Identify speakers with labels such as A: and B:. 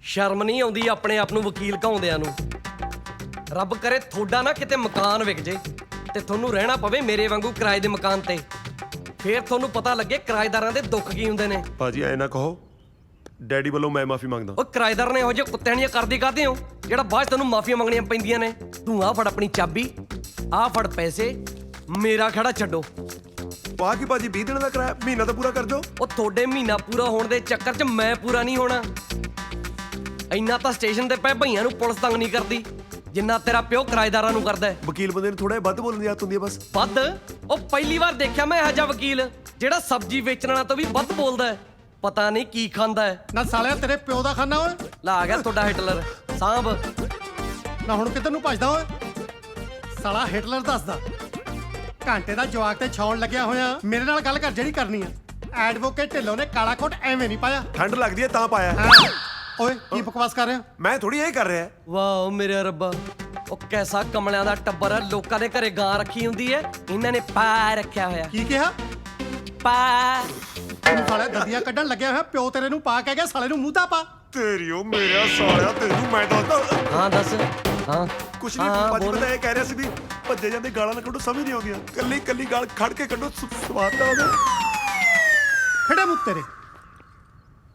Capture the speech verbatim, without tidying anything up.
A: ਸ਼ਰਮ ਨਹੀਂ ਆਉਂਦੀ ਆਪਣੇ ਆਪ ਨੂੰ ਵਕੀਲ ਕਹਾਉਂਦਿਆਂ ਨੂੰ। ਰੱਬ ਕਰੇ ਤੁਹਾਡਾ ਨਾ ਕਿਤੇ ਮਕਾਨ ਵਿਕ ਜੇ ਤੇ ਤੁਹਾਨੂੰ ਰਹਿਣਾ ਪਵੇ ਮੇਰੇ ਵਾਂਗੂ ਕਿਰਾਏ ਦੇ ਮਕਾਨ ਤੇ। ਫੇਰ ਤੁਹਾਨੂੰ ਪਤਾ ਲੱਗੇ ਕਿਰਾਏਦਾਰਾਂ ਦੇ ਦੁੱਖ ਕੀ ਹੁੰਦੇ ਨੇ।
B: ਭਾਜੀ ਐ ਨਾ ਕਹੋ, ਡੈਡੀ ਵੱਲੋਂ ਮੈਂ ਮਾਫੀ ਮੰਗਦਾ।
A: ਉਹ ਕਿਰਾਏਦਾਰ ਨੇ ਇਹੋ ਜਿਹੇ ਕੁੱਤਿਆਂ ਦੀਆਂ ਕਰਦੀ ਕਾਹਦੇ ਹੋ ਜਿਹੜਾ ਬਾਅਦ 'ਚ ਤੈਨੂੰ ਮਾਫੀਆਂ ਮੰਗਣੀਆਂ ਪੈਂਦੀਆਂ ਨੇ। ਤੂੰ ਆਹ ਫੜ ਆਪਣੀ ਚਾਬੀ, ਆਹ ਫੜ ਪੈਸੇ, ਮੇਰਾ ਖੜਾ ਛੱਡੋ।
B: ਵਾਹ ਕੀ ਭਾਜੀ ਵੀਹ ਦਿਨ ਦਾ ਕਿਰਾਇਆ ਮਹੀਨਾ ਤਾਂ ਪੂਰਾ ਕਰ ਦਿਓ।
A: ਉਹ ਤੁਹਾਡੇ ਮਹੀਨਾ ਪੂਰਾ ਹੋਣ ਦੇ ਚੱਕਰ 'ਚ ਮੈਂ ਪੂਰਾ ਨਹੀਂ ਹੋਣਾ। ਇੰਨਾ ਤਾਂ ਸਟੇਸ਼ਨ ਤੇ ਪਏ ਭਈਆਂ ਨੂੰ ਪੁਲਿਸ ਤੰਗ ਨਹੀਂ ਕਰਦੀ ਜਿੰਨਾ ਤੇਰਾ ਪਿਓ ਕਿਰਾਏਦਾਰਾਂ ਨੂੰ ਕਰਦਾ।
B: ਵਕੀਲ ਬੰਦੇ ਨੂੰ ਥੋੜਾ ਵੱਧ ਬੋਲਣ ਦੀ ਆਦਤ ਹੁੰਦੀ ਹੈ ਬਸ।
A: ਵੱਧ? ਉਹ ਪਹਿਲੀ ਵਾਰ ਦੇਖਿਆ ਮੈਂ ਇਹੋ ਜਿਹਾ ਵਕੀਲ ਜਿਹੜਾ ਸਬਜ਼ੀ ਵੇਚਣ ਵਾਲਾ ਤੋਂ ਵੀ ਵੱਧ ਬੋਲਦਾ ਹੈ। ਪਤਾ ਨਹੀਂ ਕੀ ਖਾਂਦਾ ਹੈ।
C: ਨਾ ਸਾਲਿਆ ਤੇਰੇ ਪਿਓ ਦਾ ਖਾਨਾ ਓਏ।
A: ਲਾ ਆ ਗਿਆ ਤੁਹਾਡਾ ਹਿਟਲਰ ਸਾਂਭ।
C: ਨਾ ਹੁਣ ਕਿੱਧਰ ਨੂੰ ਭੱਜਦਾ ਓਏ? ਸਾਲਾ ਹਿਟਲਰ ਦੱਸਦਾ ਘੰਟੇ ਦਾ ਜਵਾਕ ਤੇ ਛਾਉਣ ਲੱਗਿਆ ਹੋਇਆ। ਮੇਰੇ ਨਾਲ ਗੱਲ ਕਰ ਜਿਹੜੀ ਕਰਨੀ ਆ। ਐਡਵੋਕੇਟ ਢਿੱਲੋਂ ਨੇ ਕਾਲਾ ਕੋਟ ਐਵੇਂ ਨਹੀਂ ਪਾਇਆ।
B: ਠੰਡ ਲੱਗਦੀ ਹੈ ਤਾਂ ਪਾਇਆ।
C: ਹਾਂ। ਓਏ ਕੀ ਬਕਵਾਸ ਕਰ ਰਿਹਾ?
B: ਮੈਂ ਥੋੜੀ ਇਹ ਕਰ ਰਿਹਾ।
A: ਵਾਹ ਮੇਰੇ ਰੱਬਾ, ਉਹ ਕੈਸਾ ਕਮਲਿਆਂ ਦਾ ਟੱਬਰ ਹੈ। ਲੋਕਾਂ ਦੇ ਘਰੇ ਗਾਂ ਰੱਖੀ ਹੁੰਦੀ ਹੈ, ਇਹਨਾਂ ਨੇ ਪਾ ਰੱਖਿਆ ਹੋਇਆ।
C: ਕੀ ਕਿਹਾ?
A: ਪਾ।
C: ਤੂੰ ਸਾਲਿਆ ਦੰਦੀਆਂ ਕੱਢਣ ਲੱਗਿਆ ਹੋਇਆ। ਪਿਓ ਤੇਰੇ ਨੂੰ ਪਾ ਕਹਿ ਗਿਆ, ਸਾਲੇ ਨੂੰ ਮੂੰਹ ਤਾਂ ਪਾ।
B: ਤੇਰੀ ਉਹ ਮੇਰਾ ਸਾਲਿਆ, ਤੈਨੂੰ ਮੈਂ ਦੱਸਦਾ।
A: ਹਾਂ ਦੱਸ। ਹਾਂ
B: ਕੁਛ ਨਹੀਂ
A: ਹਾਂ,
B: ਭਾਜੀ,
A: ਬੋਲ।
B: ਪਤਾ ਇਹ ਕਹਿ ਰਿਹਾ ਸੀ ਵੀ ਭੱਜੇ ਜਾਂਦੇ ਗਾਲਾਂ ਨਾ ਕੱਢੋ, ਸਮਝ ਨਹੀਂ ਆਉਂਦੀਆਂ। ਕੱਲੀ ਕੱਲੀ ਗਾਲ ਖੜ ਕੇ ਕੱਢੋ, ਸਵਾਦ ਤਾਂ ਉਹਦਾ।
C: ਖੜੇ ਮੂੰਹ ਤੇਰੇ।